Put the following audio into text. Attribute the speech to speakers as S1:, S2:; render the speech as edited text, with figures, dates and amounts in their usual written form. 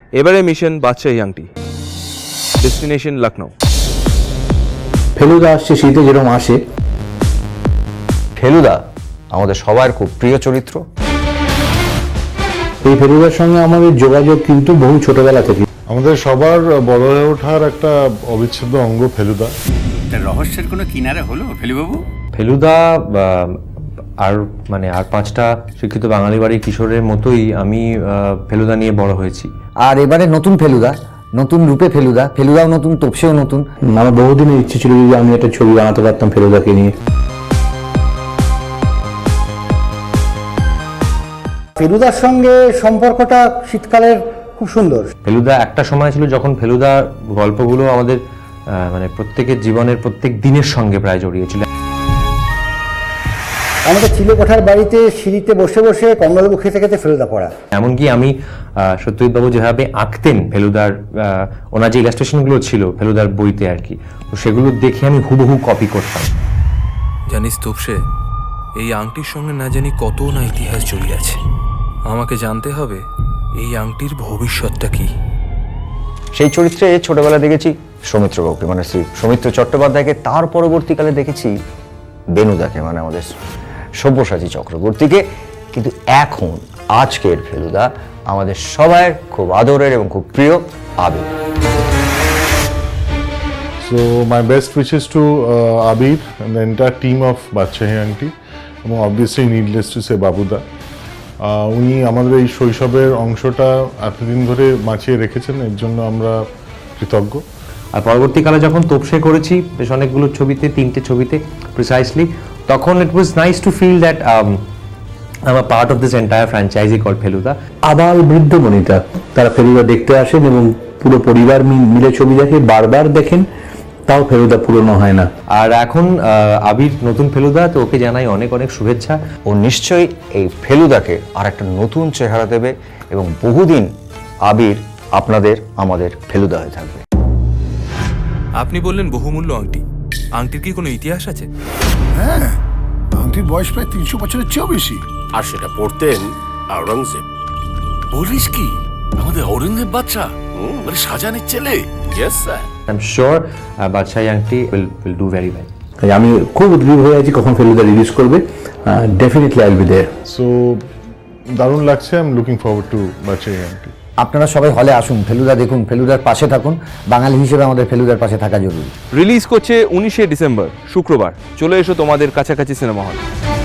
S1: এবারে মিশন বাদশাহী আংটি, ডেস্টিনেশন লখনৌ।
S2: ফেলুদা আসছে শীতে যেরকম আসে।
S3: ফেলুদা আমাদের সবার খুব প্রিয় চরিত্র।
S2: এই ফেলুদার সঙ্গে আমাদের যোগাযোগ কিন্তু বহু ছোটবেলা থেকে।
S4: আমাদের সবার বড় হয়ে ওঠার একটা অবিচ্ছেদ্য অঙ্গ ফেলুদা।
S5: রহস্যের কোনো কিনারে হলো ফেলুবাবু?
S3: ফেলুদা আর 5টা শিক্ষিত বাঙালি বাড়ির কিশোরের মতোই আমি ফেলুদা নিয়ে বড় হয়েছি।
S6: আর এবারে নতুন ফেলুদা, নতুন রূপে ফেলুদা, ফেলুদাও নতুন, তোপসেও নতুন।
S2: আমার বহুদিনের ইচ্ছে ছিল যে আমি একটা ছবি বানাতে পারতাম ফেলুদাকে নিয়ে।
S7: ফেলুদার সঙ্গে সম্পর্কটা শীতকালের খুব সুন্দর।
S3: ফেলুদা একটা সময় ছিল যখন ফেলুদা গল্পগুলো আমাদের প্রত্যেকের জীবনের প্রত্যেক দিনের সঙ্গে প্রায় জড়িয়েছিল।
S7: আমাদের চিলেকোঠার বাড়িতে সিঁড়িতে বসে বসে কমলালেবু খেতে খেতে ফেলুদা পড়া।
S3: এমনকি আমি সত্যজিৎবাবু যেভাবে আঁকতেন ফেলুদার, ওনার যে ইলাস্ট্রেশনগুলো ছিল ফেলুদার বইতে আর কি, তো সেগুলো দেখে আমি হুবহু কপি করতাম।
S8: জানিস তোপসে, এই আংটির সঙ্গে না জানি কত না ইতিহাস জড়িয়ে আছে। আমাকে জানতে হবে এই আংটির ভবিষ্যৎটা কি।
S3: সেই চরিত্রে ছোটবেলা দেখেছি সৌমিত্রবাবুকে, শ্রী সৌমিত্র চট্টোপাধ্যায়কে। তার পরবর্তীকালে দেখেছি বেনুদাকে, আমাদের সব্যসাচী চক্রবর্তীকে। কিন্তু এখন আজকের ফেলুদা আমাদের সবার খুব আদরের এবং খুব প্রিয় আবির।
S4: So my best wishes to Abir and the entire team of বাদশাহী আংটি, এবং obviously needless to say বাবুদা। উনি আমাদের এই শৈশবের অংশটা এতদিন ধরে বাঁচিয়ে রেখেছেন, এর জন্য আমরা কৃতজ্ঞ।
S3: আর পরবর্তীকালে যখন তোপসে করেছি বেশ অনেকগুলো ছবিতে, 3টে ছবিতে প্রিসাইসলি, তখন it was nice to feel that I am a part of this entire franchise called Feluda.
S2: আবাল বৃদ্ধ বনিতা তারা ফেলুদা দেখতে আসেন এবং পুরো পরিবার মিলে ছবি দেখে, বারবার দেখেন, তাও ফেলুদা পুরনো হয় না।
S3: আর এখন আবির নতুন ফেলুদা, তো ওকে জানাই অনেক অনেক শুভেচ্ছা। ও নিশ্চয়ই এই ফেলুদাকে আর একটা নতুন চেহারা দেবে এবং বহুদিন আবির আপনাদের আমাদের ফেলুদা হয়ে থাকবে।
S8: আপনি বললেন বহুমূল্য আংটি, আংটির কি কোনো ইতিহাস আছে?
S9: হ্যাঁ, আংটির বয়স প্রায় 300 বছরের চেয়েও বেশি।
S5: আর সেটা পড়তেন আওরঙ্গজেব। বলিস কি, আমাদের ঔরঙ্গজেব বাচ্চা, শাহজাহানের ছেলে? Yes sir.
S3: I am sure Badshahi Angti will do very well.
S2: তাই আমি খুব উদ্গ্রীব হয়ে আছি কখন ফেলুদা রিলিজ করবে। Definitely I will be there.
S4: So দারুণ লাগছে, I am looking forward to Badshahi Angti.
S6: আপনারা সবাই হলে আসুন, ফেলুদা দেখুন, ফেলুদার পাশে থাকুন। বাঙালি হিসেবে আমাদের ফেলুদার পাশে থাকা জরুরি।
S1: রিলিজ করছে 19শে ডিসেম্বর শুক্রবার। চলে এসো তোমাদের কাছাকাছি সিনেমা হল।